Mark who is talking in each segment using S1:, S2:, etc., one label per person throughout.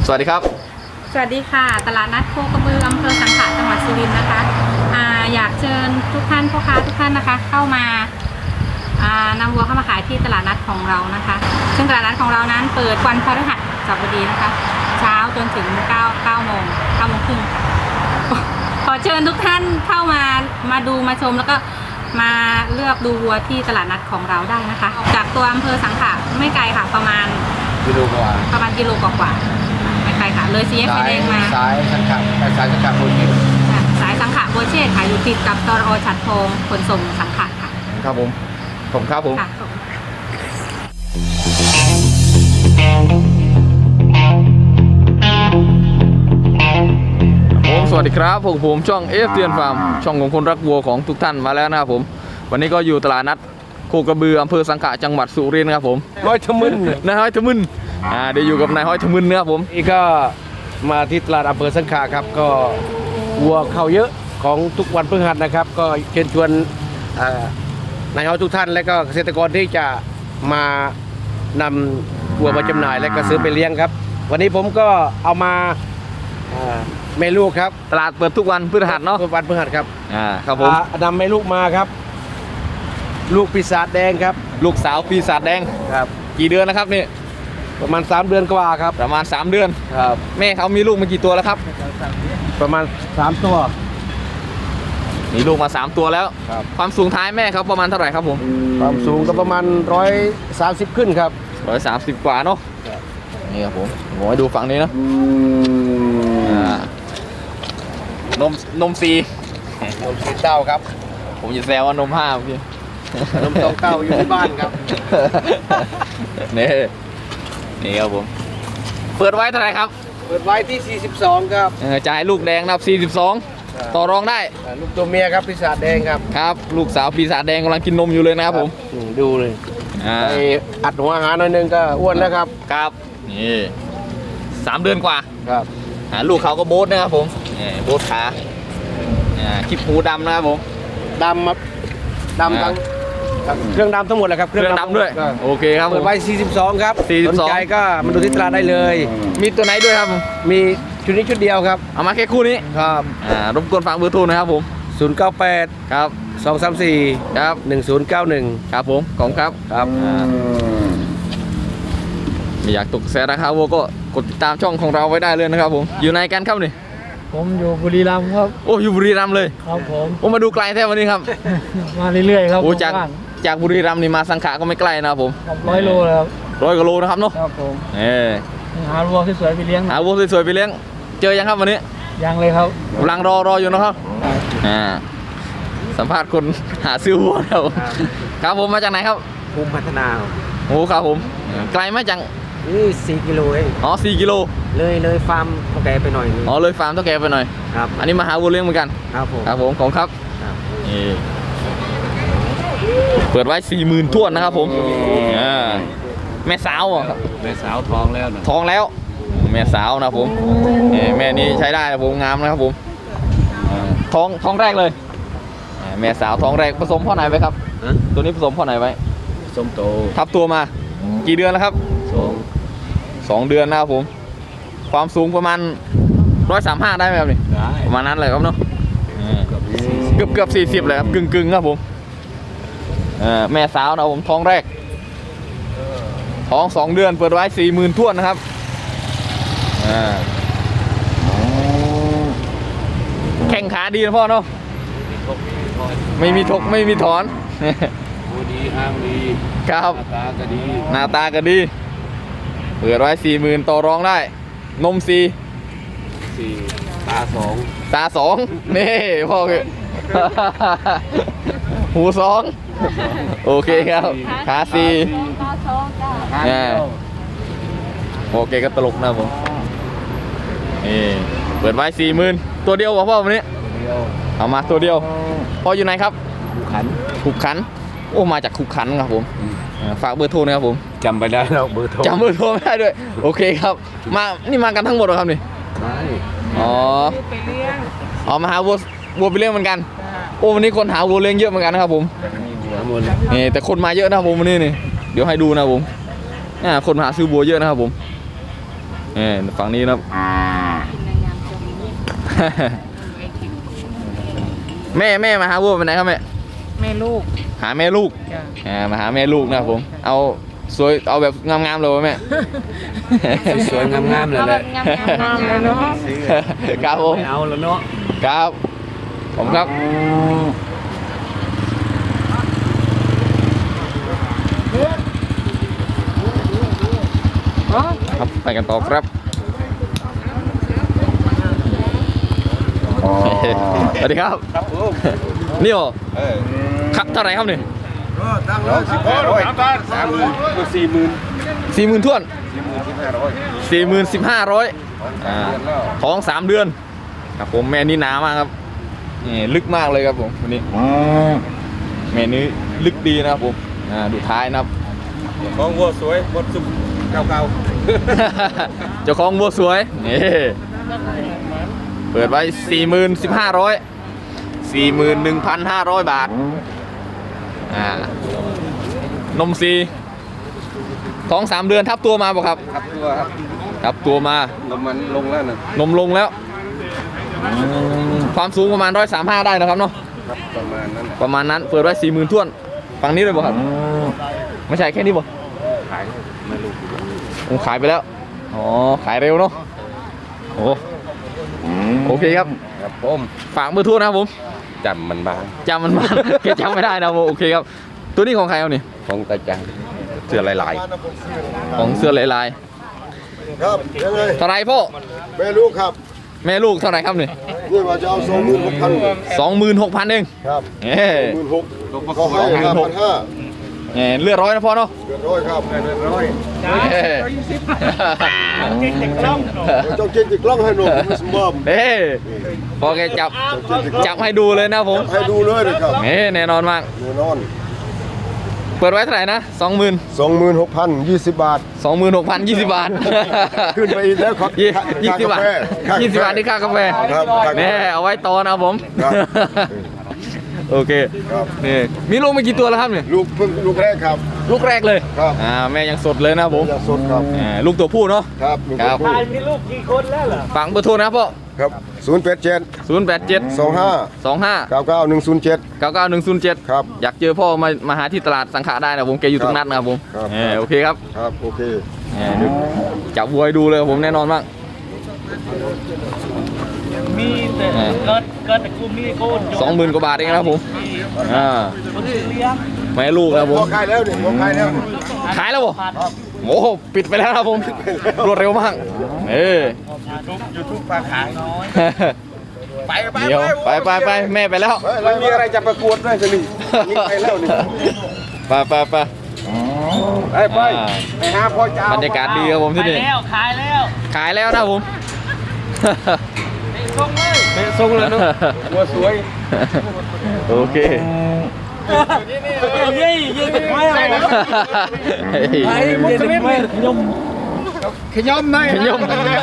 S1: สวัสดีครับ
S2: สวัสดีค่ะตลาดนัดโคกระบืออำเภอสังขะจังหวัดสุรินทร์นะคะอยากเชิญทุกท่านพ่อค้าทุกท่านนะคะเข้ามานำวัวเข้ามาขายที่ตลาดนัดของเรานะคะซึ่งตลาดนัดของเรานั้นเปิดวันพฤหัสบดีนะคะเช้าจนถึง9 โมงครึ่งค่ะขอเชิญทุกท่านเข้ามาดูมาชมแล้วก็มาเลือกดูวัวที่ตลาดนัดของเราได้นะคะออกจากตัวอำเภอสังขะไม่ไกลค่ะประมาณกิโลกว่าไม่ไกลค่ะเลยสี่แยกไฟแดงมา
S3: สายสังขะโบเช่
S2: สายสังขะโบเช่ขายอยู่ติดกับตรอฉัตรทองขนส่งสังขะค่ะ
S1: ครับผมผมครับผมสวัสดีครับผมช่องเตียนฟาร์มช่องของคนรักวัวของทุกท่านมาแล้วนะครับผมวันนี้ก็อยู่ตลาดนัดโคกระบืออำเภอสังขะจังหวัดสุรินทร์ครับผม
S3: ห้อยทมึน
S1: นายห้อยทมึนเดี๋ยวอยู่กับนายห้อยทมึนนะครับผม
S3: นี่ก็มาที่ตลาดอำเภอสังขะครับก็วัวเข้าเยอะของทุกวันพฤหัสนะครับก็เชิญชวนนายห้อยทุกท่านและก็เกษตรกรที่จะมานำวัวมาจำหน่ายและก็ซื้อไปเลี้ยงครับวันนี้ผมก็เอามาแม่ลูกครับ
S1: ตลาดเปิดทุกวันพฤหัสเนาะ
S3: ทุกวันพฤหัสครับ
S1: ครับผม
S3: นำแม่ลูกมาครับลูกปีศาจแดงครับ
S1: ลูกสาวปีศาจแดง
S3: ครับ
S1: กี่เดือนนะครับนี่
S3: ประมาณ3 เดือนกว่าครับ
S1: ประมาณ3 เดือน
S3: ครับ
S1: แม่เขามีลูกมากี่ตัวแล้วครับ
S3: ประมาณ3 ตัว
S1: มีลูกมา3 ตัวแล้วความสูงท้ายแม่เขาประมาณเท่าไหร่ครับผม
S3: ความสูงก็ประมาณ130ขึ้นครับ
S1: 130กว่าเนาะนี่ครับผมให้ดูฝั่งนี้นะนมซี
S3: เต้าครับ
S1: ผมจะแซวว่านม5พี่
S3: นม2 เต้าอยู่ที่บ้านครับ
S1: นี่ครับผมเปิดไว้เท่าไหร่ครับ
S3: เปิดไว้ที่42ครับ
S1: จ่ายลูกแดงนับ42ต่อรองได้
S3: ลูกตัวเมียครับปีศาจแดงครับ
S1: ครับลูกสาวปีศาจแดงกำลังกินนมอยู่เลยนะครับผม
S3: ดูเลยไปอัดหัวอาหารหน่อยนึงก็อ้วนแล้วครับ
S1: ครับนี่3 เดือนกว่า
S3: ครับ
S1: ลูกเขาก็โบ๊ทนะครับผมโบ๊ทขาคลิปหูดำนะครับผม
S3: ดำครับดำทั้งเครื่องดำทั้งหมดเลยครับ
S1: เครื่องดำด้วยโอเคครับ
S3: เปิดไว้42ครับสนใจก็มาดูที่ตลาดได้เลย
S1: มีตัวไหนด้วยครับ
S3: มีชุดนี้ชุดเดียวครับ
S1: เอามาแค่คู่นี้
S3: ครับ
S1: รบกวนฝากเบอร์โทรนะครับผม
S3: 098
S1: ครับ
S3: 234
S1: ครับ
S3: 1091
S1: ครับผมขอบคุณครับ
S3: ครับ
S1: ไม่อยากตกแสราคาวัวก็กดติดตามช่องของเราไว้ได้เลยนะครับผมอยู่ในกันครับนี่
S4: ผมอยู่บุรีรัมย์ครับ
S1: โอ้อยู่บุรีรัมย์เลย
S4: ครับผม
S1: มาดูไกลแท้วันนี้ครับ
S4: มาเรื่อยๆครับ
S1: โอ้จากบุรีรัมย์นี่มาสังขะก็ไม่ไกลนะครับผม
S4: 100 โลเลยครับ
S1: 100 กว่าโลนะครับเนาะ
S4: ครับผมหาวัวสวยๆไปเลี้ยง
S1: หาวัวสวยๆไปเลี้ยงเจอยังครับวันนี้
S4: ยังเลยครับ
S1: กำลังรออยู่นะครับสัมภาษณ์คนหาซื้อวัวครับผมมาจากไหนครับ
S3: ภูมิพัฒนา
S1: โอ้ครับผมไกลไหมจัง
S3: นี่4 กิโลเอง
S1: อ๋อ4 กิโล
S3: เลยฟาร์มเท่าแก่ไปหน่อย
S1: อ๋อเลยฟาร์มเท่าแก่ไปหน่อย
S3: ครับ
S1: อันนี้มาหาวัวเลี้ยงเหมือนกัน
S3: ครับ
S1: ผมของครับนี่เปิดไว้40,000ท้วนนะครับผมแม่สาวครับ
S3: แม่สาวท้องแล้ว
S1: แม่สาวนะผมแม่นี้ใช้ได้นะผมงามนะครับผมท้องแรกเลยแม่สาวท้องแรกผสมพ่อไหนไว้ครับตัวนี้ผสมพ่อไหนไว้
S3: ผสมโต
S1: ทับตัวมากี่เดือนแล้วครับ2 เดือนนะครับผมความสูงประมาณ135ได้ไหมครับนี่ประมาณนั้นเลยครับเนาะเกือบ40เลยครับกึ่งครับผมแม่สาวนะผมท้องแรกท้อง2 เดือนเปิดไว้40,000ท้วนนะครับแข้งขาดีนะพ่อเนาะไม่มีทกไม่มีถอน
S3: ดีอ้างดี
S1: ครับหน้าตาก็ดีเปิดไว้40,000ต่อรองได้นม4ตา2นี่พ่อคือหู2โอเคครับขา4โอเคก็ตลกนะผมนี่เปิดไว้40,000ตัวเดียวพ่อวันนี้เอามาตัวเดียวพ่ออยู่ไหนครับขุกขันโอ้มาจากขุกขันครับผมฝากเบอร์โทรนะครับผม
S3: จำไปได้แล้วเบอร์โทร
S1: จำเบอร์โทรไม่ได้ด้วยโอเคครับนี่มากันทั้งหมดเหรอครับนี่อ๋อมาหาวัวไปเลี้ยงเหมือนกันโอ้วันนี้คนหาวัวเลี้ยงเยอะเหมือนกันนะครับผมนี่แต่คนมาเยอะนะครับผมวันนี้นี่เดี๋ยวให้ดูนะผมคนมาหาซื้อวัวเยอะนะครับผมฝั่งนี้นะครับ แม่มาหาวัวไปไหนครับแม่
S2: แม่ลูก
S1: หาแม่ลูก
S2: จ้ะ
S1: มาหาแม่ลูกนะครับผมเอาสวยเอาแบบงามๆเลยวะแม่
S3: สวยๆงามๆเลยแหละ
S2: งามเลยเนาะ
S1: ครับผม
S4: เอาแล้วเนาะ
S1: ครับผมครับครับไปกันต่อครับสวัสดีครับนี่เหรอครับเท่าไหร่ครับนี่ 40,000ท้วน40,500ท้อง3 เดือนครับผมแม่นี่หนามากครับนี่ลึกมากเลยครับผมวันนี้แม่นี้ลึกดีนะครับผมดูท้ายนะครับ
S3: ของวัวสวยวัวสุกเก่า
S1: เจ้าของวัวสวยนี่เปิดไว้ 41,500 บาทนมซีท้อง3 เดือนทับตัวมาบ่ครับ
S3: ๆครับตัวครับ
S1: ทับตัวมา
S3: ลมมันลงแล้วนะ
S1: นมลงแล้วความสูงประมาณ135ได้นะครับเนาะ
S3: ครับประมาณนั้น
S1: ประมาณนั้นเปิดไว้ 40,000ท้วนฝั่งนี้เลยบ่ครับไม่ใช่แค่นี้บ่
S3: ขายไม่รู้
S1: ผมขายไปแล้วอ๋อขายเร็วเนาะโอเคครับ
S3: ครับผม
S1: ฝากเบอร์โทรนะครับผม
S3: จำมันบ้าง
S1: จำมันมา แค่จำไม่ได้นะผมโอเคครับตัวนี้ของใครเอานี่
S3: ของตาจังเสื้อลาย
S1: ของเสื้อลาย
S5: ครับยังไง
S1: ๆเท่าไหรพ่อ
S5: แม่ลูกครับ
S1: แม่ลูกเท่าไหร่ครับนี่
S5: นี่ว่าจะเอา
S1: 26,000
S5: 26,000
S1: เอง
S5: ครับ
S1: เอ้ย
S5: 16,000ก็ให้5,500
S1: เลือดร้อยนะพ่อเนาะ
S5: เดือดร้อยครับเดือดร้อย
S1: เอ้ย
S5: เจ้าเจนติดกล้องให้หนุ่มไม่สมบูรณ์
S1: เอ้ยพอแกจับให้ดูเลยนะผม
S5: ให้ดูเลยนะครับ
S1: แน่นอนมาก
S5: แน่นอน
S1: เปิดไว้เท่าไหร่นะ
S5: 26,020 บาท
S1: 26,020 บาท
S5: ขึ้นไปอีกแล้วครับ
S1: 20 บาท 20 บาทนี่ค่ากาแฟ
S5: ครับค่ากาแฟ
S1: แน่เอาไว้ตอนนะครับผม
S5: ครับ
S1: โอเค
S5: ครับ
S1: นี่มีลูกไม่กี่ตัวแล้วครับเนี่ย
S5: ลูกเพิ่งลูกแรกครับ
S1: ลูกแรกเลย
S5: ครับ
S1: แม่ยังสดเลยนะครับผม
S5: อย่างสดครับ
S1: ลูกตัวผู้เนาะ
S5: ครับลูก
S1: ครับ
S5: ผู้
S4: มีลูกกี่คนแล้วเหรอ
S1: ฝังเบอร์โทรนะครับพ่อ
S5: ครับ087
S1: 087
S5: 25
S1: 25
S5: 99107
S1: 99107
S5: ครับ
S1: อยากเจอพ่อมาหาที่ตลาดสังขะได้นะผมแกอยู่ตรงนั้นนะครับผม
S5: ครับ
S1: โอเคครับ
S5: ครับโอเค
S1: จับวัวให้ดูเลยครับผมแน่นอนมาก
S4: มีแต่เกิดแต่กลุ่มนี้โกน
S1: 20,000 กว่าบาทเองนะครับผม
S4: คนที่เลี้ยง
S1: แม่ลูกนะครับผม
S5: พอขายแล้วเนี่ยพอขายแล้ว
S1: ขายแล้วบ่โอ้โหปิดไปแล้วนะครับผมรวดเร็วมาก
S3: ยูทูบปลาขายน้อย
S1: เดี๋ยวไปแม่ไปแล้ว
S3: มันมีอะไรจะประกวดด้วยสินี่นี่ไปแล้วนี่
S1: ไป
S3: ไปหาพ่อเจ้า
S1: บรรยากาศดีครับผมที่นี่
S4: ขายแล้ว
S1: ขายแล้วนะครับผม
S3: ทรงเลยเนาะวัวสวย
S1: โอเค
S4: เย้ไม่อะไรไอ้มุสลิมขยมหน่อย
S1: ขยม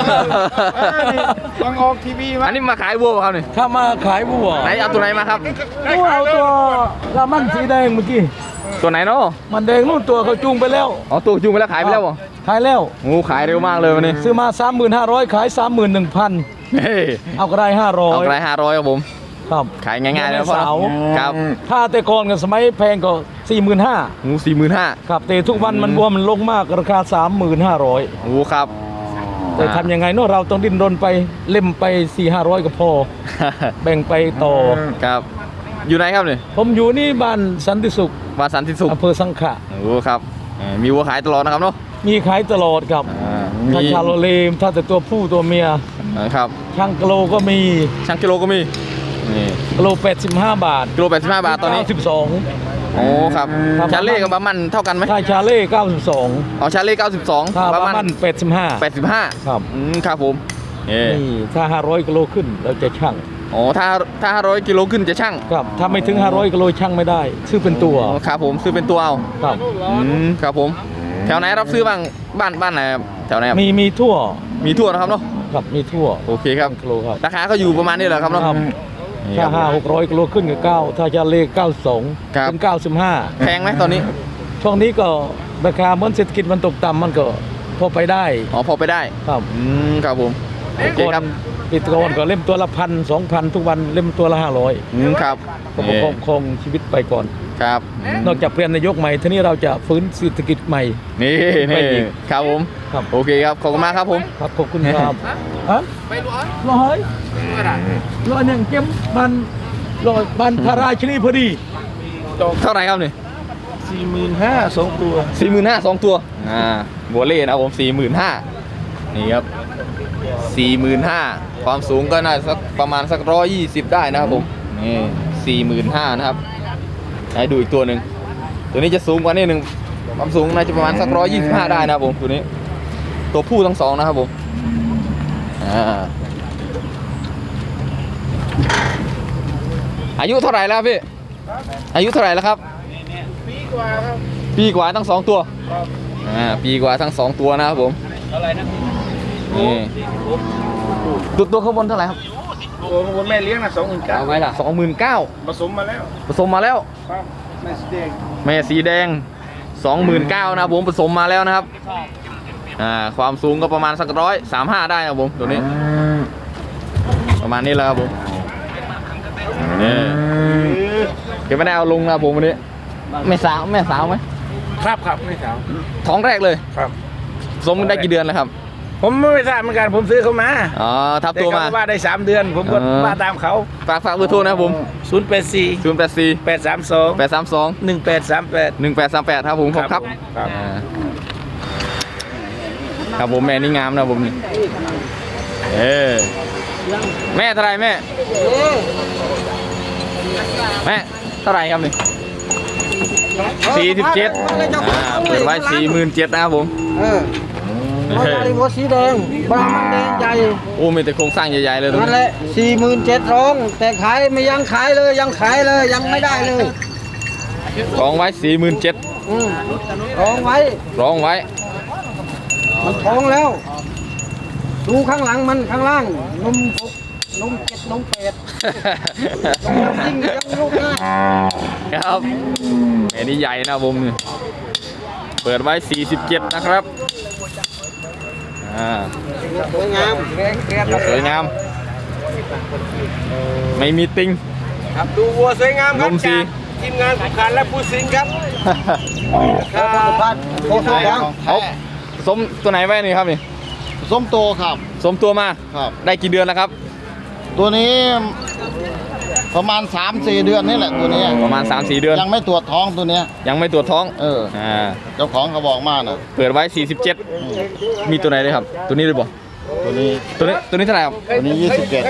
S4: ต้องออกทีวีมา
S1: อันนี้มาขายวัวเปล่าครับนี่
S4: ถ้ามาขายวัว
S1: ไหนเอาตัวไหนมาครับ
S4: เอาตัวลามันสีแดงเมื่อกี้
S1: ตัวไหนเนาะ
S4: มันแดงนู่นตัวเขาจูงไปแล้ว
S1: อ๋อตัวจูงไปแล้วขายไปแล้วบ่
S4: ขายแล้ว
S1: งูขายเร็วมากเลยวันนี้
S4: ซื้อมา 35,000 ขาย 31,000
S1: เฮ้ย
S4: เอาก็ได้
S1: เอาไป
S4: 500
S1: 500ครับผม
S4: ครับ
S1: ขายง่ายๆเลยนะพ่อ
S4: เสา
S1: ครับ
S4: ถ้าแต่ก่อนกับสมัยแพงก็ 45,000
S1: งู45,000
S4: ครับแต่ทุกวันมันบวมมันลงมากราคา 35,000
S1: งูครับ
S4: แต่ทำยังไงเนาะเราต้องดิ้นรนไปเล่มไป 4-500 ก็พอ แบ่งไปต่อ
S1: ครับ อยู่ไหนครับเนี่ย
S4: ผมอยู่นี่บ้านสันติสุข
S1: วาสันติสุข
S4: อำเภอสังขะ
S1: โอ้ครับมีวัวขายตลอดนะครับเนาะ
S4: มีขายตลอดครับ
S1: มี
S4: ถ้าชาโลเลมถ้าแต่ตัวผู้ตัวเมีย
S1: ครับ
S4: ช่างกิโลก็มี
S1: ช่างกิโลก็มีนี่
S4: กิโล85 บาท
S1: กิโล85 บาทตอนนี้
S4: 92
S1: โอ้ครับ
S4: ครับ
S1: ชาเล่กับบามันเท่ากันไหม
S4: ถ้าชาเล่92
S1: อ๋อชาเล่92
S4: ถ้า
S1: บา
S4: ว่า
S1: มั
S4: มัน น85
S1: 85
S4: ครับ
S1: ครับผมนี่
S4: นี่ถ้า500กิโลขึ้นเราจะชั่ง
S1: อ๋อถ้า500กิโลขึ้นจะช่าง
S4: ครับถ้าไม่ถึง500กิโลชั่งไม่ได้ ซื้อเป็นตัว
S1: อ๋อครับผมซื้อเป็นตัวเอา
S4: ครับ
S1: ครับผมแถวไหนรับซื้อบ้างบ้านไหนครับแถวไหนครับ
S4: มีทั่ว
S1: มีทั่วนะครับเนาะ
S4: ครับมีทั่ว
S1: โอเคครับ
S4: กิโลครับ
S1: ราคาก็อยู่ประมาณนี้แหละครับเนาะ
S4: ครับ
S1: นี่
S4: ถ้า
S1: ครับ
S4: 500-600กิโลขึ้นก็9ถ้าชาเล่92
S1: ครับ
S4: ถึง
S1: แพงไหมตอนนี้
S4: 95ช่วงนี้ก็ราคาเหมือนเศรษฐกิจมันตกต่ำมันก็พอไปได้
S1: อ๋อพอไปได้
S4: ครับ
S1: ครับผมโอเคครับ
S4: ปิดก่อนก็เล่มตัวละ1,000-2,000 ทุกวันเล่มตัวละ500
S1: ครับ
S4: ก็ประคองครองชีวิตไปก่อน
S1: ครับ
S4: นอกจากเปลี่ยนนายกใหม่ทีนี้เราจะฟื้นเศรษฐกิจใหม่
S1: นี่
S4: ไปอีก
S1: ครับผม
S4: ครับ
S1: โอเคครับขอบคุณมากครับผม
S4: ครับขอบคุณครับฮะไปร้อยร้อยหนึ่งเก็บบันพระราชินีพอดี
S1: เท่าไหร่ครับนี่
S4: 45,000 2 ตัว
S1: 45,000 2 ตัวบัวเล่นะครับผม 45,000นี่ครับ 45,000ความสูงก็น่าสักประมาณสัก120ได้นะครับผมนี่45,000นะครับให้ดูอีกตัวหนึ่งตัวนี้จะสูงกว่านิดนึงความสูงน่าจะประมาณสัก125ได้นะครับผมตัวนี้ตัวผู้ทั้งสองนะครับผมอายุเท่าไหร่แล้วพี่อายุเท่าไหร่แล้วครับปีกว่าครับปีกว่าทั้ง2ตัวปีกว่าทั้ง2ตัวนะครับผมเท่าไหร่นะนี่ตัวข้างบนเท่าไหร่ครับ
S3: ตัวข้างบนแม่เลี้ยงนะ29,000
S1: เอาไว้ล่ะ29,000
S3: ผสมมาแล้ว
S1: ผสมมาแล้ว
S3: ครับแม่สีแดง
S1: แม่สีแดง 29,000นะครับผมผสมมาแล้วนะครับความสูงก็ประมาณสัก135ได้นะครับผมตัวนี้ประมาณนี้แล้วครับผมนี่เก็บไม่ได้เอาลงนะครับผมวันนี้แม่สาวไหม
S3: ครับไม่สาว
S1: ท้องแรกเลย
S3: ครับ
S1: ผสมได้กี่เดือนแล้วครับ
S3: ผมไม่ทราบเหมือนกันผมซื้อเขามา
S1: อ๋อทับตัวมา
S3: แต่เขาว่าได้3 เดือนผมก็มาตามเขา
S1: ฝากเบอร์โทรนะครับผม
S3: 084
S1: 084
S3: 832
S1: 832
S3: 1838
S1: 1838ครับผมครับ
S3: ครับ
S1: ครับผมแม่นี่งามนะผมนี่แม่เท่าไหรแม่เท่าไหรครับนี่47เปิดไว้47,000นะครับผม
S6: บาริโวสีแดงบางมันแดงใหญ่
S1: โอ้มีแต่โครงสร้างใหญ่ๆเลยตรง
S6: นั่น
S1: นี้
S6: แหละ47,000ร้องแต่ขายไม่ยังขายเลยยังขายเลยยังไม่ได้เลย
S1: ร้องไว้47,000
S6: ร้องไว้
S1: ร้องไว้
S6: มันท้องแล้ว ดูข้างหลังมันข้างล่างนม6นม7นม8ยิ่งยังลูกง่าย
S1: ครับแม่นี่ใหญ่นะผมนี่เปิดไว้47นะครับ
S6: สวยงาม
S1: สวยงามไม่มีติง
S3: ครับดูวัวสวยงามครับ
S1: นมสี
S3: จากทีมงานผู้การและผู้สิงครับ
S1: เอาสมตัวไหนไว้นี่ครับนี่
S5: ส้มโตครับ
S1: สมตัวมา
S5: ครับ
S1: ได้กี่เดือนแล้วครับ
S5: ตัวนี้ประมาณ 3-4 เดือนนี่แหละตัวนี้
S1: ประมาณ 3-4 เดือน
S5: ยังไม่ตรวจท้องตัวเนี้ย
S1: ยังไม่ตรวจท้อง
S5: เจ้าของเขาบอกมาน่ะ
S1: เปิดไว้ 47มีตัวไหนเลยครับ ตัวนี้เลยบ่
S5: ตัวนี้
S1: ตัวนี้เท่าไหร่ครับ
S5: ตัวนี้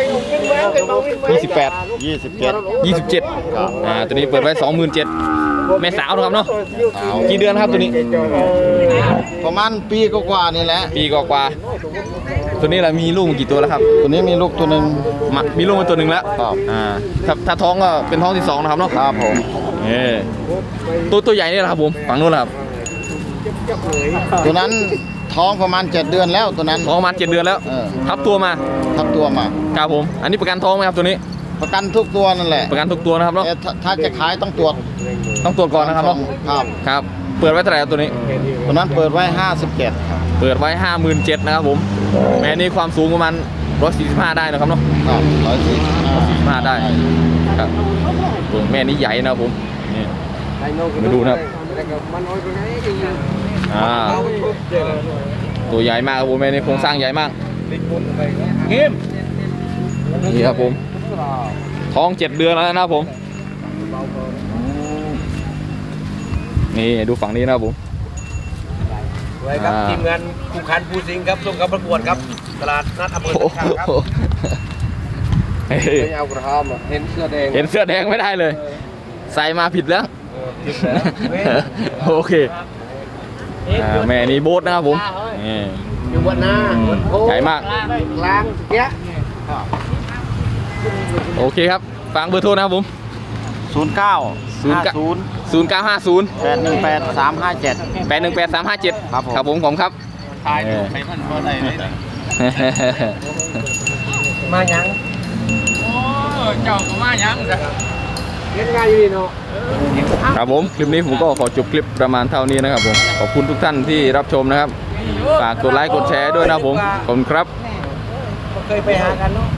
S1: 28
S5: 27
S1: 27ตัวนี้เปิดไว้ 27,000แม่สาวนะครับเนาะกี่เดือนครับตัวนี้
S5: ประมาณปีกว่าๆนี่แหละ
S1: ปีกว่าๆตัวนี้แหละมีลูกมากี่ตัวแล้วครับ
S5: ตัวนี้มีลูกตัวหนึ่ง
S1: มีลูกมาตัวหนึ่งแล้ว
S5: ครับ
S1: ถ้าท้องก็เป็นท้องที่2นะครับเนาะ
S5: ครับผม
S1: ตัวใหญ่นี่แหละครับผมฝั่งนู้นแหละครับ
S5: ตัวนั้นท้องประมาณ7 เดือนแล้วตัวนั้น
S1: ท้องประมาณ7 เดือนแล้ว ทับตัวมา
S5: ทับตัวมา
S1: ครับผมอันนี้ประกันท้องไหมครับตัวนี้
S5: ประกันทุกตัวนั่นแหละ
S1: ประกันทุกตัวนะครับเนาะ
S5: แต่ถ้าจะขายต้องตรวจ
S1: ต้องตรวจก่อนนะครับเนาะ
S5: ครับ
S1: ครับ เปิดไว้เท่าไหร่ครับตัวนี้
S5: ตัวนั้นเปิดไว้57ครับ
S1: เปิดไว้ 57,000นะครับผมแม่นี่ความสูงประมาณ145ได้นะครับเนาะ
S5: ครับ
S1: 145
S5: 145
S1: ได้ครับแม่นี่ใหญ่นะครับผมนี่มาดูนะครับตัวใหญ่มากครับผมแม่นี่โครงสร้างใหญ่มากนี่ครับผมท้อง7 เดือนแล้วนะครับผมนี่ดูฝั่งนี้นะครับผม
S3: ไว้ครับทีมงานผู้การผู้สิงครับส่งกับประกวดครับตลาดนัดอำเภอสังขะครับ
S6: ไม่เอากระหอมเห็นเสื้อแดง
S1: เห็นเสื้อแดงไม่ได้เลย ใส่มาผิดแล้วโอเคแม่นี่โบ๊ทนะครับผมนี่
S6: อยู่บนหน้า
S1: ใหญ่มาก
S6: กลางเนี้ย
S1: โอเคครับฟังเบอร์โทรนะครับผม 0950
S5: 818 357
S1: 818 357
S5: ครับผม
S1: ครับผมครับ
S5: ถ่ายรูปให้มันบ่ได้เลย
S6: มายัง
S3: เจ้าก็มายังจ้ะ
S6: เล่นงานอยู่นี่เนาะ
S1: ครับผมคลิปนี้ผมก็ขอจบคลิปประมาณเท่านี้นะครับผมขอบคุณทุกท่านที่รับชมนะครับฝากกดไลค์กดแชร์ด้วยนะผมขอบคุณครับ
S6: เคยไปหากันเนาะ